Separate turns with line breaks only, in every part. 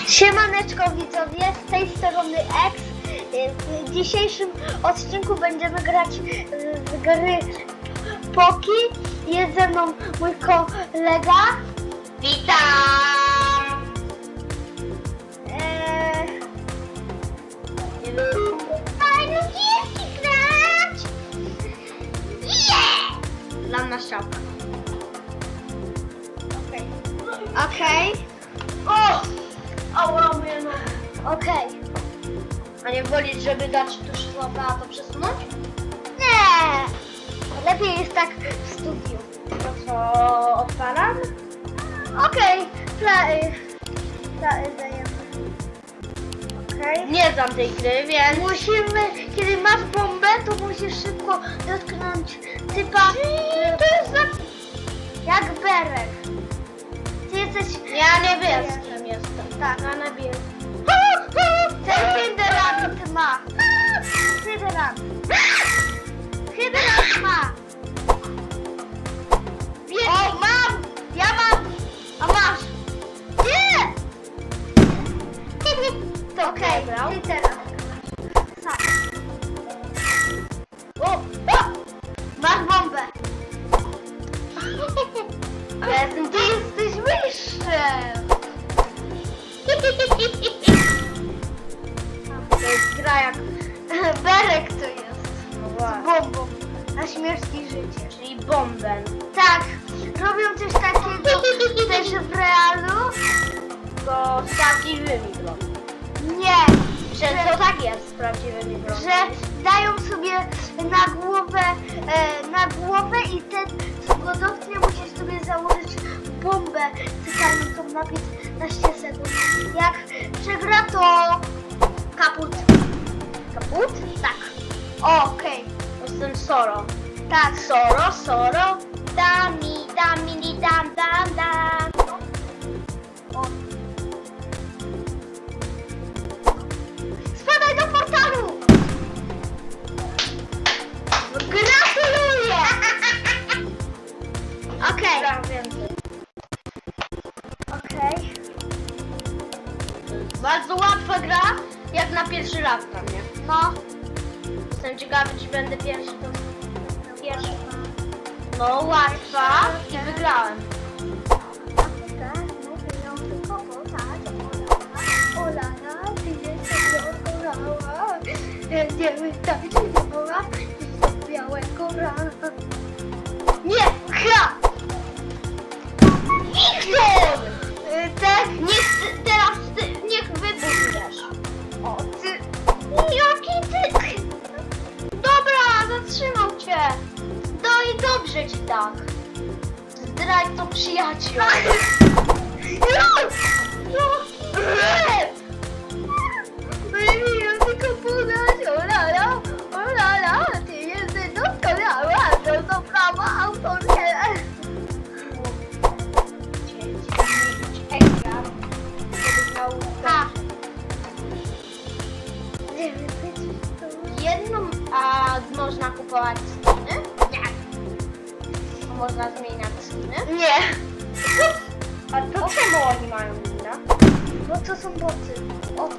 Siemaneczko widzowie, z tej strony X. W dzisiejszym odcinku będziemy grać w gry Poki. Jest ze mną mój kolega.
Witam!
Fajno gierki grać! Yeah!
Dla nas strzałka.
Okej.
O! Ała, moja noga.
Okej.
A nie wolisz, żeby dać tu szlapę, a to przesunąć?
Nie! Lepiej jest tak w studiu.
To co, odpalam?
Okej. Dajemy. Okej.
Nie znam tej gry, więc...
Musimy, kiedy masz bombę, to musisz szybko dotknąć typa.
To jest za...
Jak Berek. Ty jesteś...
Ja niebieskim jestem.
Tak.
Ja niebieskim.
Ten Hydrant ma. Hydrant. Hydrant ma. O, mam! Ja mam! A masz! Nie! To okej,
brał.
ty teraz. Sam.
O!
Masz bombę.
Ale jestem
Ty jesteś mistrzem.
To jest gra jak...
Berek to jest.
No
Z
właśnie.
bombą. Na śmierć i życie.
Czyli bomben.
Tak. Robią coś takiego też w realu.
To z prawdziwymi broni.
Nie.
Że to tak jest z prawdziwymi broni.
Że dają sobie na głowę i ten, co go dotknie, musisz sobie założyć bombę cytającą na 15 sekund. Jak przegra, to kaput.
Kaput?
Tak. O, okej.
Jestem Soro.
Tak.
Soro, dami, dam.
O. Spadaj do portalu! Gratuluję! Okej.
Gram więcej.
Okej.
Bardzo łatwa gra, jak na pierwszy raz dla mnie.
No.
Jestem ciekawy, czy będę pierwszy, to pierwszy. No, łatwa i wygrałem.
Będziemy tańczyć woła i białego rana. Nie! Ha!
Wiktor!
Tak?
Niech wybuchniesz.
O, ty...
Jaki ty... Dobra, zatrzymał cię. No i dobrze ci tak. Zdrajco przyjaciół.
Baby, tylko podać, olala, ty jesteś doskonała, to są prawa autorskie. Ha.
Jedną, a można kupować skiny?
Nie.
Można zmieniać skiny?
Nie.
A to czemu oni mają inne?
Bo to są boty. O.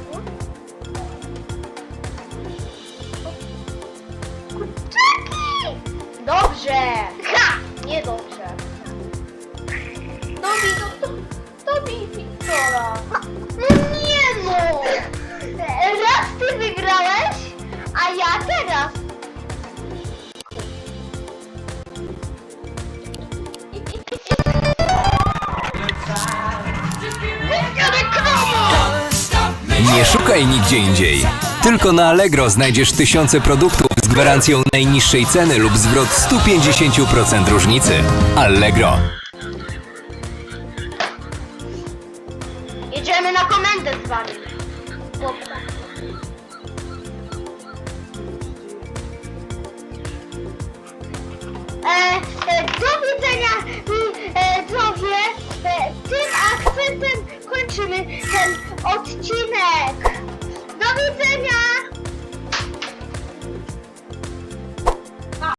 Kurczaki!
Dobrze!
Ha!
Niedobrze. Dobij Wiktora.
Nie no! Raz ty wygrałeś, a ja teraz.
Nie szukaj nigdzie indziej. Tylko na Allegro znajdziesz tysiące produktów z gwarancją najniższej ceny lub zwrot 150% różnicy. Allegro.
Jedziemy na komendę z wami.
Do widzenia, widzowie. Tym akcentem kończymy ten odcinek. Do widzenia!